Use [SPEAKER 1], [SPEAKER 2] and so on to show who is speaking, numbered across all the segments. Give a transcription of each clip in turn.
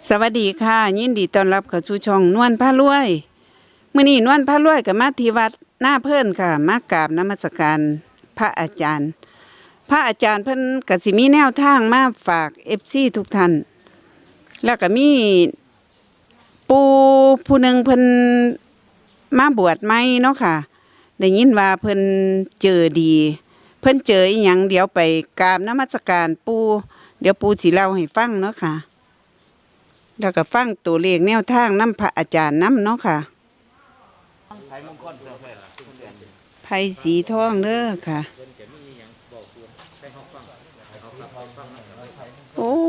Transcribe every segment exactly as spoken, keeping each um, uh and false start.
[SPEAKER 1] สวัสดีค่ะยินดีต้อนรับเข้าสู่ช่องนวลพารวยมื้อนี้นวลพารวยก็มาที่วัดหน้าเพิ่นค่ะมากราบนมัสการพระอาจารย์ พระอาจารย์เพิ่นก็สิมีแนวทางมาฝาก เอฟ ซี ทุกท่านแล้วก็มีปู่ผู้หนึ่งเพิ่นมาบวชใหม่เนาะค่ะได้ยินว่าเพิ่นเจอดี เพิ่นเจออีหยังเดี๋ยวไปกราบนมัสการปู่เดี๋ยวปู่สิเล่าให้ฟังเนาะค่ะแล้วก็ฟังตัวเลขแนวทางนำพระอาจารย์นำเนาะค่ะไผ่สีทองเด้อค่ะโอ้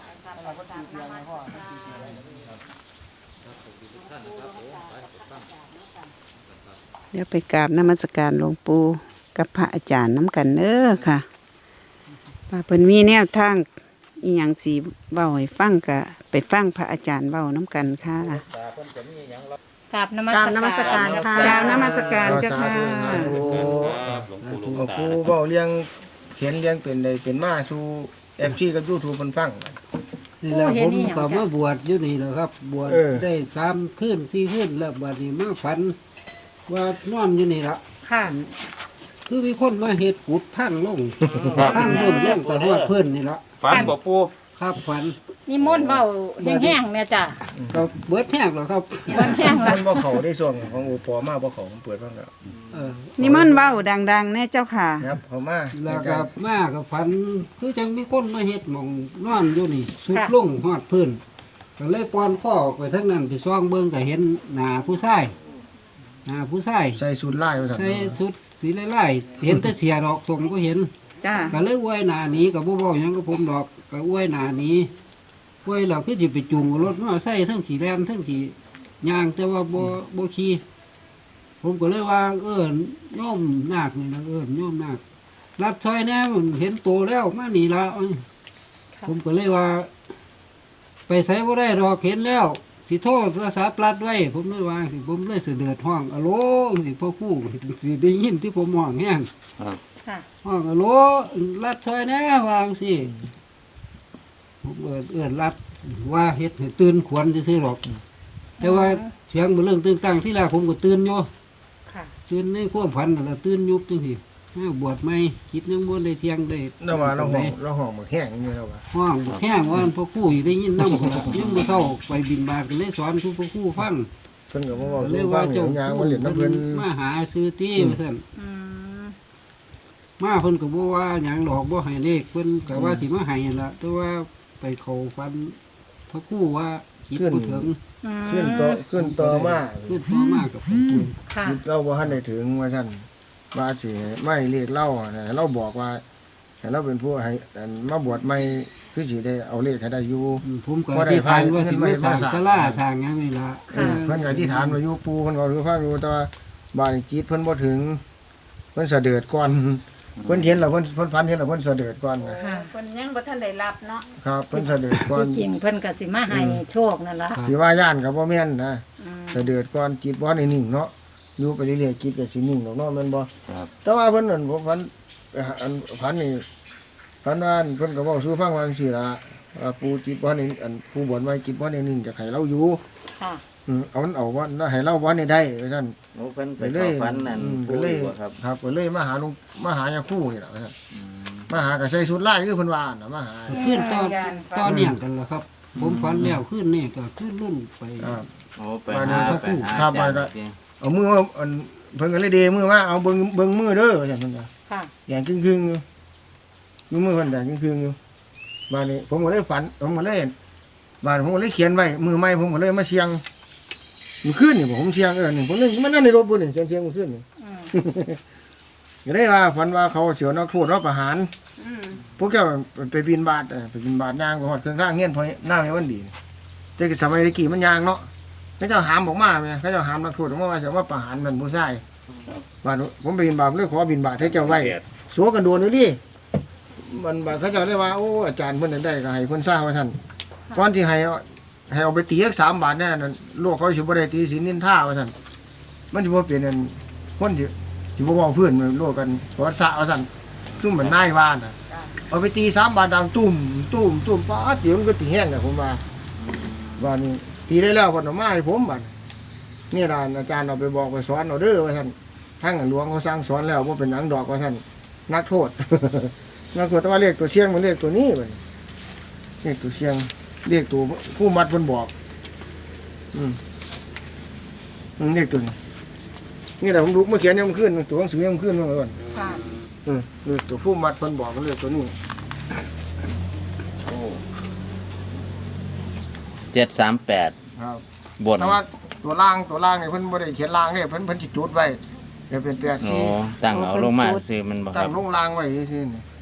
[SPEAKER 1] เดี๋ยวไปกราบนมัสการหลวงปู่กับพระอาจารย์น้ำกันเด้อค่ะว่าเพิ่นมีแนวทางอีหยังสิเว้าให้ฟังก็ไปฟังพระอาจารย์เว้าน้ำกันค่ะ
[SPEAKER 2] กราบนมัสการค่ะ
[SPEAKER 1] กราบนมัสการเจ้าค่ะ
[SPEAKER 3] หลวงปู่เว้าเลี้ยงเขียนเลี้ยงเป็นได้เป็นมาสู่ เอฟ ซี กับ YouTube เพิ่นฟัง
[SPEAKER 4] นี่แหละผมก็มาบวชอยู่นี่แหละครับ บวช
[SPEAKER 3] เออ
[SPEAKER 4] ได้สามคืนสี่คืนแล้วบัดนี้มาฝันว่านอนอยู่นี่ละ
[SPEAKER 2] ค่ะ
[SPEAKER 4] คือมีคนมาเฮ็ดกุดพังลงพังลงเล่นแต่ว่าเพื่อนนี่ละ
[SPEAKER 5] ฝันบ่ปู
[SPEAKER 4] ครับฝัน
[SPEAKER 2] นี่มนต์เบาแห้งๆเนี่ยจ้ะ
[SPEAKER 4] ก็เบิดแห้งแล้วครับ
[SPEAKER 2] เบิ้แห้ง
[SPEAKER 3] มั
[SPEAKER 2] ละ
[SPEAKER 3] นบ่เข้าได้ส่วนของอุปอมาบ่เข้าผมเปิดฟังแล้ว
[SPEAKER 4] เออ
[SPEAKER 1] นี่มันต์เว้าดังๆแน่เจ้าค่ะ
[SPEAKER 3] นะครับเข้ามา
[SPEAKER 4] แล้วก็มากับฝันคือจังมีคนมาเฮ็ดหม่องนอนอยู่นี่สุดลงฮอดพื้นก็เลยปอนข้อออกไปทั้งนั้นไปซ่องเบิ่งก็เห็นหน้าผู้ชายหน้าผู้ชาย
[SPEAKER 3] ใส่สูทลายว่าซั่น
[SPEAKER 4] ใส่ชุดสีไล่ๆเห็นแต่เสียดอกส่งก็เห็น
[SPEAKER 1] จ้า
[SPEAKER 4] ก็เลยอวยหนาหนี้กับบ่บอกหยังกับผมดอกก็อวยหนาหนี้อวยเราคือสิไปจูงรถมาใส่ทั้งขี่แลนทั้งขี่ยางแต่ว่าบ่บ่ขี่ผมก็เลยว่า เอิ้นโยมนาคนี่นะเอิ้นโยมนาครับซอยแน่มันเห็นโตแล้วมานี่ละเอ้ยผมก็เลยว่า ไปใส่บ่ได้ดอกเห็นแล้วสิโทรศัพท์ปลัดไว้ ผมเลยว่าสิผมเลยเสด็จห้องอะโหลสิพ่อครู่สิได้ยินที่ผมห้องแฮง
[SPEAKER 2] ค่ะ
[SPEAKER 4] ห้องอะโหลรัดซอยแน่วางสิผมเอินเอินรัดว่าเฮ็ดให้ตื่นขวัญซื่อๆหรอก แต่ว่าเสียงมันเรื่องตื่นตั้งที่แรกผมก็ตื่นอยู่
[SPEAKER 2] ค่ะ
[SPEAKER 4] ตื่นในความฝันนั่นล่ะตื่นยุบจังซี่ห้าบวชใหม่คิดยังบ่ได้เที่ยงได้
[SPEAKER 3] แล้วว่าเราห้องเราห้องบ่แห้งอยู่แล้วว่า
[SPEAKER 4] ห้องแห้งว่าพ่อครู่อยู่ได้ยินนำยังบ่เซาไปบินบาตก็เลยสอนทุกพ่อครู่ฟัง
[SPEAKER 3] เพิ่นก็บ่เว้า
[SPEAKER 4] ก็เล
[SPEAKER 3] เรื่
[SPEAKER 4] ย
[SPEAKER 3] อง
[SPEAKER 4] ว่า
[SPEAKER 3] ว่า
[SPEAKER 4] เจ้า
[SPEAKER 3] เจ้ายางมาเล่นน้ำเพิ่น
[SPEAKER 4] มาหาซื้อที่ว่าซั่น
[SPEAKER 2] อืม
[SPEAKER 4] มาเพิ่นก็บ่ว่าหยังดอกบ่ให้เลขเพิ่นก็ว่าสิมาให้นั่นล่ะแต่ว่าไปเข้าฟันพระครูว่าจิตบ่ถึง
[SPEAKER 2] อืม
[SPEAKER 3] ขึ้นต่อขึ้นต่อมา
[SPEAKER 4] ขึ้นพอมากกับผมตุน
[SPEAKER 2] ค่ะ
[SPEAKER 3] จิตเราบ่ทันได้ถึงว่าซั่นว่าสิไม่เรียกเราอะนะเราบอกว่าให้เราเป็นผู้ให้อันมาบวชใหม่คือสิได้เอาเลขให้ได้อยู่
[SPEAKER 4] ผมก็
[SPEAKER 3] บ่ได้
[SPEAKER 4] ที่ทานว่าสิมาสร้าง
[SPEAKER 3] ไป
[SPEAKER 4] ศาลาสร้างหยังนี่ล่ะ
[SPEAKER 3] เออเพิ่นก็อธิษฐานไว้อยู่ปู่เพิ่นก็รู้ฟังอยู่แต่ว่าบ้านนี้จิตเพิ่นบ่ถึงเพิ่นเสด็จก่อนเพิ่นเห็นแล้วเพิ่นเพิ่นพันเห็นแล้วเพิ่นเสด็จก่อนนะ
[SPEAKER 2] ค่ะ
[SPEAKER 1] คนยังบ่ทันได้รับเนาะ
[SPEAKER 3] ครับเพิ่นเสด็จก่อน
[SPEAKER 2] ที่จริงเพิ่นก็สิมาให้โชคนั่นล่ะ
[SPEAKER 3] สิว่าย่านก็บ่แม่นนะ
[SPEAKER 2] อืม
[SPEAKER 3] เสด็จก่อนจิตบ่ได้นิ่งเนาะอยู่ไปเรื่อยๆจิตก็สินิ่งดอกเนาะแม่นบ่
[SPEAKER 5] ครับ
[SPEAKER 3] แต่ว่าเพิ่นนั่นผมพันอันพันนี่พันว่าเพิ่นก็เว้าสู่ฟังว่าจังซี่ล่ะว่าปู่จิตบ่ได้อันผู้บวชไว้จิตบ่ได้นิ่งจะให้เราอยู่
[SPEAKER 2] ค่ะ
[SPEAKER 3] อืมเอามันเอาว่าให้เราบ่ได้ได้ว่าซั่น
[SPEAKER 5] โอ้เพิ่นไป
[SPEAKER 3] ไปเล
[SPEAKER 5] เข้าย ฝันนั่น
[SPEAKER 3] อืม
[SPEAKER 5] ปู
[SPEAKER 3] ก็เลย
[SPEAKER 5] อยู่บ่ครับ
[SPEAKER 3] ครับก็เลยมาหาลุงมาหายาคู่นี่แหละครับมาหาก็ใส่ชุดลายคือเพิ่นว่าน่ะมาหา
[SPEAKER 4] ขึ้นตอนตอนเนี่ยกันล่ะครับ ผมฝันแล้วขึ้นนี่ก็ขึ้นรุ่นไป
[SPEAKER 3] ครับ
[SPEAKER 5] โอ้ไป
[SPEAKER 3] ไป
[SPEAKER 5] หา
[SPEAKER 3] หา
[SPEAKER 5] ไปหา
[SPEAKER 3] ครับ
[SPEAKER 5] อาจารย์
[SPEAKER 3] ไปก็
[SPEAKER 5] จริง
[SPEAKER 3] เอามือมาอันเพิ่นก็เลยเดมือมาเอาเบิ่งเบิ่งมือเด้อว่าซั่นเพิ่นว่า
[SPEAKER 2] ค่ะ
[SPEAKER 3] แดงครึ่งๆอยู่อยู่มือเพิ่นแดงครึ่งๆอยู่บาดนี้ผมก็เลยฝันผมก็เลยบาดผมก็เลยเขียนไว้มือใหม่ผมก็เลยมาเสียงมื้อคืนนี่ผมเสียงเออนี่ผมนึกมันนั่นในรถบ่นี่เสียงเสียงมื้อคืนนี่
[SPEAKER 2] อืม
[SPEAKER 3] ก็ได้ว่าฝันว่าเขาเสียวนักโทษรับประหาร
[SPEAKER 1] อืม
[SPEAKER 3] พวกเจ้าไปบินบาทเออไปบินบาทย่างไปหอดเครื่องข้างเงี้ยนพอหน้าไม่วันดีนี่แต่สมัยตะกี้มันยางเนาะเขาเจ้าหามบอกมาไหมเขาเจ้าหามนักโทษออกมาว่าจะว่าประหารมันผู้ชายบาทผมไปบินบาทเลยขอบินบาทให้เจ้าไว้สัวกันโดนเลยดิมันบาทเขาเจ้าได้ว่าโอ้อาจารย์เพิ่นได้ก็ให้เพิ่นทราบว่าท่านก่อนที่ให้เอาให้เอาไปตีสักสามบาทแน่นั่นโลกเขาสิบ่ได้ตีศีลนินท่าว่าท่านมันสิบ่เป็นอันคนที่ที่บ่เว้าเพื่อนโลกกันประวัติศาสตร์ว่าท่านซุ่มเหมือนนายว่าน่ะ เอาไปตีสามบาทดังตุ่มตุ่มตุ่มป้าเดี๋ยวมันก็ตีแห้งเลยผมว่าว่านี่ตีได้แล้วเพิ่นเอามาให้ผมบัดนี่ล่ะอาจารย์เอาไปบอกไปสอนเอาเด้อว่าท่านทางหลวงเขาสั่งสอนแล้วบ่เป็นหยังดอกว่าท่านนักโทษ นักโทษแต่ว่าเลขตัวเชียงมันเลขตัวนี้บัดเลขตัวเชียงเลขตัวผู้มัดเพิ่นบอกอืมอืมเลขตัวนี้นี่แหละผมรู้เมื่อเขียนยังมันขึ้นตัวหนังสือยังมันขึ้นมาก่อน
[SPEAKER 2] ค่ะ
[SPEAKER 3] อืมเลขตัวผู้มัดเพิ่นบอกมันเลขตัวนี้
[SPEAKER 5] เจ็ดสามแปด
[SPEAKER 3] ครับ
[SPEAKER 5] บน
[SPEAKER 3] แต่ว่าตัวล่างตัวล่างเนี่ยเพิ่นบ่ได้เขียนล่างเนี่ยเพิ่นเพิ่นสิจุดไว้จะเป็นแปด
[SPEAKER 5] โอ้
[SPEAKER 3] สี่
[SPEAKER 5] ตั้งเอาลงมาซื้อมันบ่ค
[SPEAKER 3] ตั้
[SPEAKER 5] รั
[SPEAKER 3] ง
[SPEAKER 5] บ
[SPEAKER 3] ลงล่างไว้ซื่อๆนี่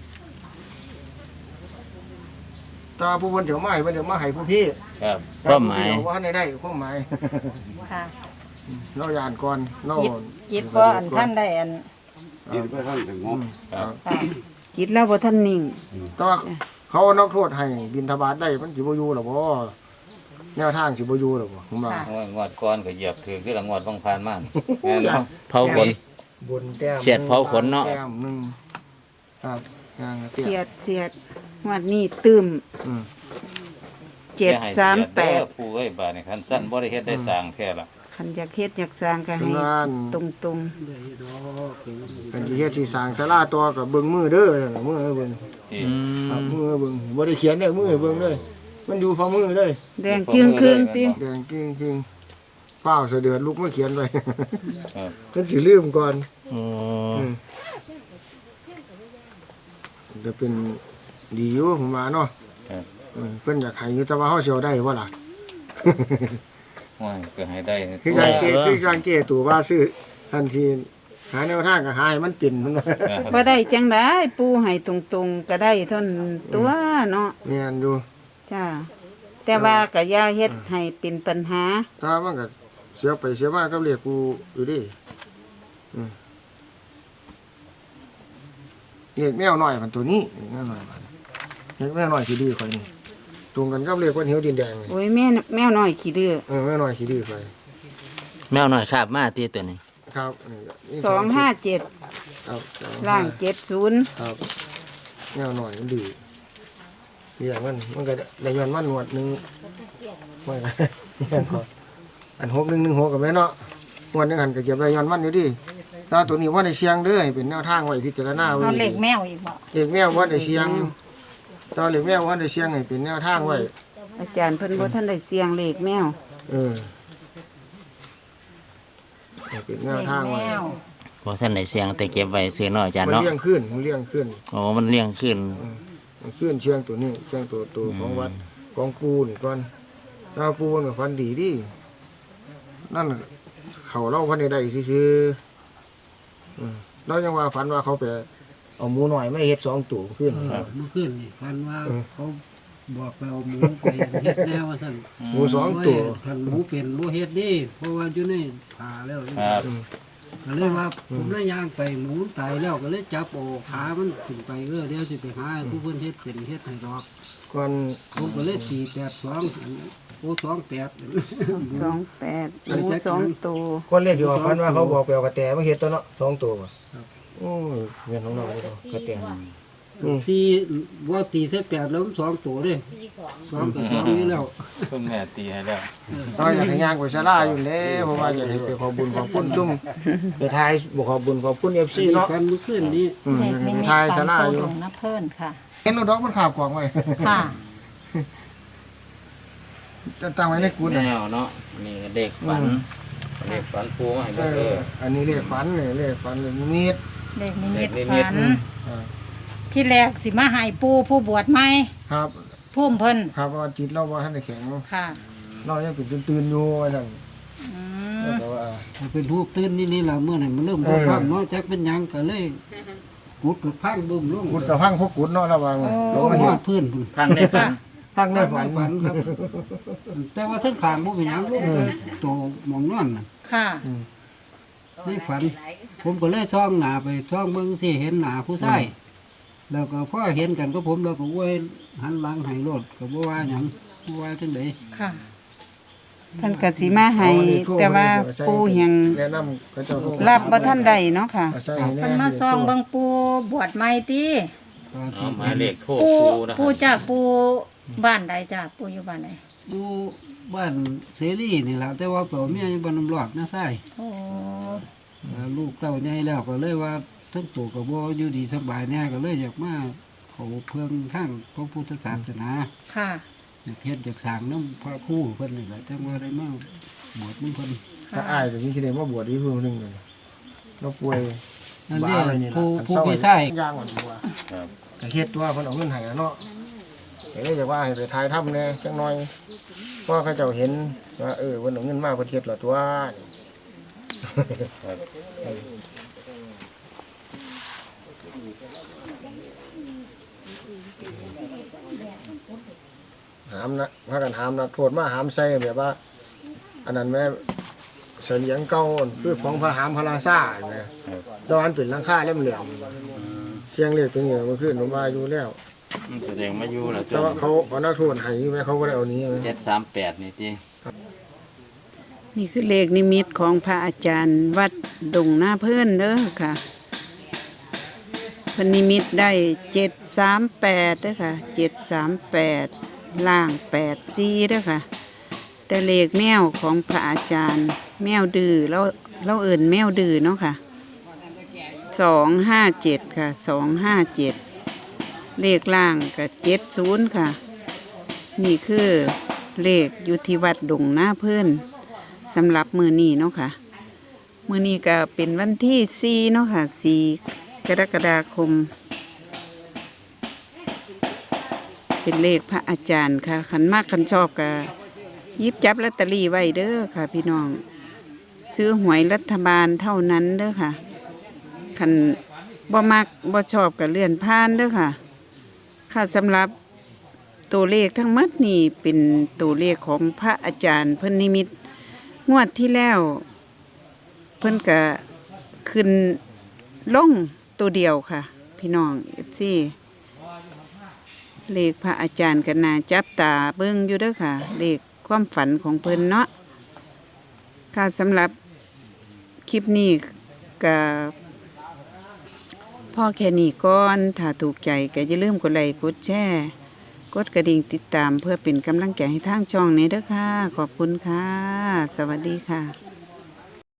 [SPEAKER 3] แตว่าผู้เพิ่นเดี๋ยวมาให้เพิ่นเดี๋ยวมาให้ผู้พี่
[SPEAKER 5] ครับความหมาย
[SPEAKER 3] แต่ผู้พี่เดี๋ยวว่าให้ได้ความหมาย
[SPEAKER 2] ค่ะ
[SPEAKER 3] เราย่านก่อนเรา
[SPEAKER 2] จิตจิตบ่อันท่านได้อัน
[SPEAKER 3] จิตบ่ทันสงบ
[SPEAKER 5] ครับ
[SPEAKER 2] ค่ะ
[SPEAKER 1] จิตเราบ่ทันนิ่ง
[SPEAKER 3] แต่ว่าเขาเอานักโทษให้บิณฑบาตได้มันสิบ่อยู่หรอบ่แนวทางสิบ่อยู่หรอบ่ผมว่า
[SPEAKER 6] โอ้ยงวดก่อนก็เหยียบถือคือละงวดบางพานมากแม่นบ่
[SPEAKER 5] เผาขน
[SPEAKER 3] บนแต้ม
[SPEAKER 5] เสียดเผาขนเนาะ
[SPEAKER 3] แต้มหนึงครับย่างเตี้ย
[SPEAKER 1] เสียดเสียดงวดนี้ตื้ม
[SPEAKER 3] อืม
[SPEAKER 1] เจ็ดสามแปด
[SPEAKER 6] เด้อปู่เอ้ยบาดนี้คันสั้นบ่ได้เฮ็ดได้สร้างแท้ละ
[SPEAKER 1] คันอยากเฮ็ดอยากสร้างก็ให้
[SPEAKER 3] งาน
[SPEAKER 1] ตรงตรง
[SPEAKER 4] ได้ดอกเป็น
[SPEAKER 3] เป็นที่เฮ็ดสิสร้างศาลาตัวกับเบิ่งมือเด้อนั่นน่ะมือให้เบิ่ง
[SPEAKER 6] ที่
[SPEAKER 5] อื
[SPEAKER 3] ครับ
[SPEAKER 5] ม
[SPEAKER 3] มือให้เบิ่งบ่ได้เขียนเด้อมือให้เบิ่งเด้อมันอยู่ฝ่ามือเด้อ
[SPEAKER 1] ๆแดงครึ่งครึ่งๆติ
[SPEAKER 3] แดงกิ้งกิ้งเฝ้าวเสดือดลุกมาเขียนไว้
[SPEAKER 6] ครับ
[SPEAKER 3] เพิ่นสิลืมก่อน
[SPEAKER 5] โอ้
[SPEAKER 3] อืมจะเป็นดีอยู่ผมว่าเนาะ
[SPEAKER 6] ครับ
[SPEAKER 3] อืมเพิ่นอยากให้อยู่แต่ว่าเฮาสิเอาได้บ่ล่ะ
[SPEAKER 6] โอ้ยก็ให้ได้
[SPEAKER 3] คือการเกคือการเกตัวว่าซื้อทันทีหาแนวทางก็หาให้มันเป็นมันว่า
[SPEAKER 1] บ่ได้จังได๋ปู่ให้ตรงๆก็ได้เท่านั้นตัวเนาะ
[SPEAKER 3] แม่นอยู่
[SPEAKER 1] จ้าแต่ว่าก็อย่าเฮ็ดให้เป็นปัญหา
[SPEAKER 3] ถ้ามันก็เสียไปเสียมากับเรียกกูอยู่ดิอืมเรียกแมวน้อยมันตัวนี้แมวน้อยมันเรียกแมวน้อยขี้ดื้อข่อยนี่ตรงกันกับเรียกว่าเหวดินแดงนี่
[SPEAKER 1] โอ้ยแม่แมวน้อยขี้ดื้อ
[SPEAKER 3] เออแมวน้อยขี้ดื้อข่อย
[SPEAKER 5] แมวหน่อยคาบมาตีตัวนี้
[SPEAKER 3] ครับนี่ก็นี่
[SPEAKER 1] สองห้าเจ็ด
[SPEAKER 3] ครับสอง
[SPEAKER 1] ล่าง
[SPEAKER 3] ห้
[SPEAKER 1] เจ็ดศูนย์
[SPEAKER 3] ครับแมวน้อยมันดื้อเรียกมันมันก็ได้ย้อนมันหนวดหนึงมันก็ เรียกก่อนอันหกหนึ่งหนึ่งหกกับแม่เนาะงวดหนึงหันก็เก็บได้ย้อนมันอยู่ดิถ้าตัวนี้ว่าในเชียงเด้อให้เป็นแนวทางไว้พิจารณาไว้
[SPEAKER 2] เอาเหล็
[SPEAKER 3] ดี
[SPEAKER 2] กแมวอีกบ่
[SPEAKER 3] เด็กแมวว่าได้เชียงตอนเด็กแมวว่าได้เชียงให้เป็นแนวทางไว้
[SPEAKER 1] อาจารย์เพิ่นบ่ทันได้เสียงเลขแมว
[SPEAKER 3] เออให้เป็นแน
[SPEAKER 2] เห
[SPEAKER 3] ว
[SPEAKER 2] ล็ก
[SPEAKER 3] ทาง
[SPEAKER 2] แม
[SPEAKER 3] ไว้
[SPEAKER 2] ว
[SPEAKER 5] พอท่านได้เสียงแต่เก็บไว้ซื้อน้อยอาจารย์
[SPEAKER 3] มัน
[SPEAKER 5] เนาะ
[SPEAKER 3] เลี้ยงขึ้นมันเลี้ยงขึ้น
[SPEAKER 5] โอ้มันเลี้ยงขึ้น
[SPEAKER 3] มันขึ้นเชียงตัวนี้เชียงตัวตัวของวัดของปูนี่ก่อนถ้าปูนี่ฟันดีดินั่นเขาเล่าพันใดๆซื่อๆอืมเรายังว่าฝันว่าเขาไปเอาหมูหน่อยไม่เฮ็ดสองตัวขึ้น
[SPEAKER 4] เมื่อคืนนี่พันว่าเขาบอกไปเอาหมูไปเฮ็ดแนวว่าซั่น
[SPEAKER 3] หมูสองตัว
[SPEAKER 4] คันหมูเป็นบ่เฮ็ดดิเพราะว่าอยู่ในผ่าแล้ว
[SPEAKER 6] ครับ
[SPEAKER 4] ก็เลยว่าผมเลยย่างไปหมูตายแล้วก็เลยจับโอาขามันขึ้นไปเออเดี๋ยวสิไปหาผู้เพิ่นเฮ็ดเป็นเฮ็ดให้ดอก
[SPEAKER 3] ก่อน
[SPEAKER 4] ผมก็เลยตีแปดสองโอ้สองแปด
[SPEAKER 1] สองแปดหมูสองตัว
[SPEAKER 3] คนเรียกอยู่ว่าฝันว่าเขาบอกไปเอากระแตมาเฮ็ดตัวเนาะสองตัวบ่โอ้ยเงินของเราเลยเนาะกระแตอืม
[SPEAKER 4] สี่ว่าตีเส้แปดแล้วมันสองตัวเด้สองกับสองนี่แล้ว
[SPEAKER 6] เพิ่งแม่ตีให้แล้ว
[SPEAKER 3] เราอยากให้ย่างไปศาลาอยู่แล้วเพราะว่าอยากให้ไปขอบุญขอบคุณซุ่มไปทายบ่ขอบุญขอบคุณ เอฟ ซี เนาะ
[SPEAKER 4] กันเมื่อคืนนี้
[SPEAKER 3] อืม
[SPEAKER 2] เหล็ก
[SPEAKER 3] อยาก
[SPEAKER 2] นิ
[SPEAKER 3] ให้ไป
[SPEAKER 2] มิต
[SPEAKER 3] ทาย
[SPEAKER 2] ฝั
[SPEAKER 3] ศาน ลา
[SPEAKER 2] โต
[SPEAKER 3] อยู่
[SPEAKER 2] หลงนะเพิ่นค่ะ
[SPEAKER 3] เห็นรถดอกมันขาบกวางไว้
[SPEAKER 2] ค่ะ
[SPEAKER 3] จะตั้งไว้ในกุฏิ
[SPEAKER 5] แมวเนาะนี่ก็เด็กฝัน
[SPEAKER 6] เลขฝันปู่มาให้
[SPEAKER 3] เอ
[SPEAKER 6] เบิ่งเด้
[SPEAKER 3] อ
[SPEAKER 6] อ
[SPEAKER 3] อันนี้เรียกฝันเลยเรียกฝันเลยนิด
[SPEAKER 2] เหล็กนิมิต
[SPEAKER 6] เหล็กนิมิต
[SPEAKER 2] ฝัน
[SPEAKER 3] อ่า
[SPEAKER 2] ที่แรกสิมาให้ปูผู้บวชใหม่
[SPEAKER 3] ครับ
[SPEAKER 2] พุ่มเพิ่น
[SPEAKER 3] ครับว่าจิตเราบ่ทันได้แข็ง
[SPEAKER 2] ค่ะ
[SPEAKER 3] เรายังเป็นตื่นๆอยู่ว่าซั่น
[SPEAKER 2] อื
[SPEAKER 3] แล้ว
[SPEAKER 2] ม
[SPEAKER 3] ก็ว่า
[SPEAKER 4] เป็นรูปตื่นนี่นี่ล่ะเมื่อไหร่มันเริ่มบ่พังเนาะจักเป็นหยังก็เลยกุดกับพังบึ้มลง
[SPEAKER 3] กุดกับพังพวกกุดเนาะระวังลงมา
[SPEAKER 4] ห
[SPEAKER 3] เห็
[SPEAKER 4] อน ดพื้นพุ่น
[SPEAKER 5] พังได้ฝัน
[SPEAKER 3] พังในฝัน
[SPEAKER 4] ฝันครับ แต่ว่าทั้งขางบ่เป็นหยังลูกโตหมองนอนน่ะ
[SPEAKER 2] ค่ะ
[SPEAKER 4] ในฝัน ผมก็เลยช่องหน้าไปช่องเบิ่งสิเห็นหน้าผู้ชายแล้วก็พอเห็นกันก็ผมแล้วก็อวยหันหลังให้รถก็บ่ว่าหยังบ่ว่าจังได๋
[SPEAKER 2] ค่ะ
[SPEAKER 1] เพิ่นก็สิมาให้แต่ว่าปู่ยัง
[SPEAKER 3] แนะนำเขาเจ้าเขา
[SPEAKER 1] รับบ่ทันได้เนาะค่ะ
[SPEAKER 3] เอาใส่ให้แ
[SPEAKER 2] เพิ่นมาซองเบิ่งปูบวชใหม่ติ
[SPEAKER 5] เอาหมายเลขโทร
[SPEAKER 2] ปู
[SPEAKER 5] ปู่นะค
[SPEAKER 2] ปู
[SPEAKER 5] รับ
[SPEAKER 2] จากปูบ้านใดจ้ะปูอยู่บ้านใด
[SPEAKER 4] อยู่บ้านเสรีนี่ล่ะแต่ว่าเปล่าเมียอยู่บ้านน้ำรอดนะไส้
[SPEAKER 2] โอ้
[SPEAKER 4] แล้วลูกเต้าใหญ่แล้วก็เลยว่าทั้งตัวก็บ่อยู่ดีสบายแน่ก็เลยอยากมาเขาเพิ่งทางพระพุทธศาสนา
[SPEAKER 2] ค่ะ
[SPEAKER 4] อยากเฮ็ดอยากสร้างน้ำพระครู่เพิ่นนี่แหละแต่ว่าได้มาบวชนำเพิ่น
[SPEAKER 3] ถ้าอ้ายก็ยิ่งคิดได้ว่าบวชอีกผู้หนึงเลยเราป่วย
[SPEAKER 4] นั่น
[SPEAKER 3] บ้า
[SPEAKER 4] เด้
[SPEAKER 3] อะไรนี่ล่ะ
[SPEAKER 4] ผู้
[SPEAKER 3] อัน
[SPEAKER 4] ผู้
[SPEAKER 3] เศร้า
[SPEAKER 4] พี่ชาย
[SPEAKER 3] ย่างกว่าตัว
[SPEAKER 6] ครับ
[SPEAKER 3] ก็เฮ็ดตัวเพิ่นเอาเงินให้อะเนาะก็เลยอยากว่าให้ไปถ่ายทำแหน่จังหน่อยเพราะเขาเจ้าเห็นว่าเออเพิ่นเอาเงินมาเพิ่นเฮ็ดและตัวหามนะพากันหามนักโทษมาหามใส่แบบว่า อันนั้นแม่เสลียงเก่าคือของพระหามพระราชาเนี่ยดอนเป็นหลังคาเหลี่ยมๆเสียงเลขตัวนี้มันขึ้นผมว่าอยู่แล้ว
[SPEAKER 5] แสดงมาอยู่แล้ว
[SPEAKER 3] แต่ว่าเขาเอานักโทษให้ไหมเขาก็ได้เอานี้ไหม
[SPEAKER 5] เจ็ดสามแปดนี่ติ
[SPEAKER 1] นี่คือเลขนิมิตของพระอาจารย์วัดดงหน้าเพิ่นเด้อค่ะเพิ่นนิมิตได้เจ็ดสามแปดเด้อค่ะเจ็ดสามแปดล่างแปดสี่เด้อค่ะ แต่เลขแมวของพระอาจารย์ แมวดื้อเราเราเอิ่นแมวดื้อเนาะค่ะสองห้าเจ็ดค่ะสองห้าเจ็ดเลขล่างกับเจ็ดศูนย์ค่ะ นี่คือเลขอยู่ที่วัดดงหน้าเพิ่นสำหรับมือนี้เนาะค่ะ มือนี้ก็เป็นวันที่สี่เนาะค่ะสี่กรกฎาคม เป็นเลขพระอาจารย์ค่ะขันมากขันชอบก็หยิบจับลอตเตอรี่ไว้เด้อค่ะ พี่น้อง ซื้อหวยรัฐบาลเท่านั้นเด้อค่ะขันบ่มักบ่ชอบก็เลื่อนผ่านเด้อค่ะ ค่ะสำหรับตัวเลขทั้งหมดนี่เป็นตัวเลขของพระอาจารย์เพิ่นนิมิตงวดที่แล้ว เพิ่นก็ขึ้นลงตัวเดียวค่ะ พี่น้อง เอฟ ซี เลขพระอาจารย์ก็น่าจับตาเบิ่งอยู่เด้อค่ะ เลขความฝันของเพิ่นเนาะค่ะสำหรับคลิปนี้ก็พ่อแค่นี้ก่อน ถ้าถูกใจก็อย่าลืมกดไลค์กดแชร์กดกระดิ่งติดตามเพื่อเป็นกำลังใจให้ทางช่องนี้เด้อค่ะ ขอบคุณค่ะ สวัสดีค่ะ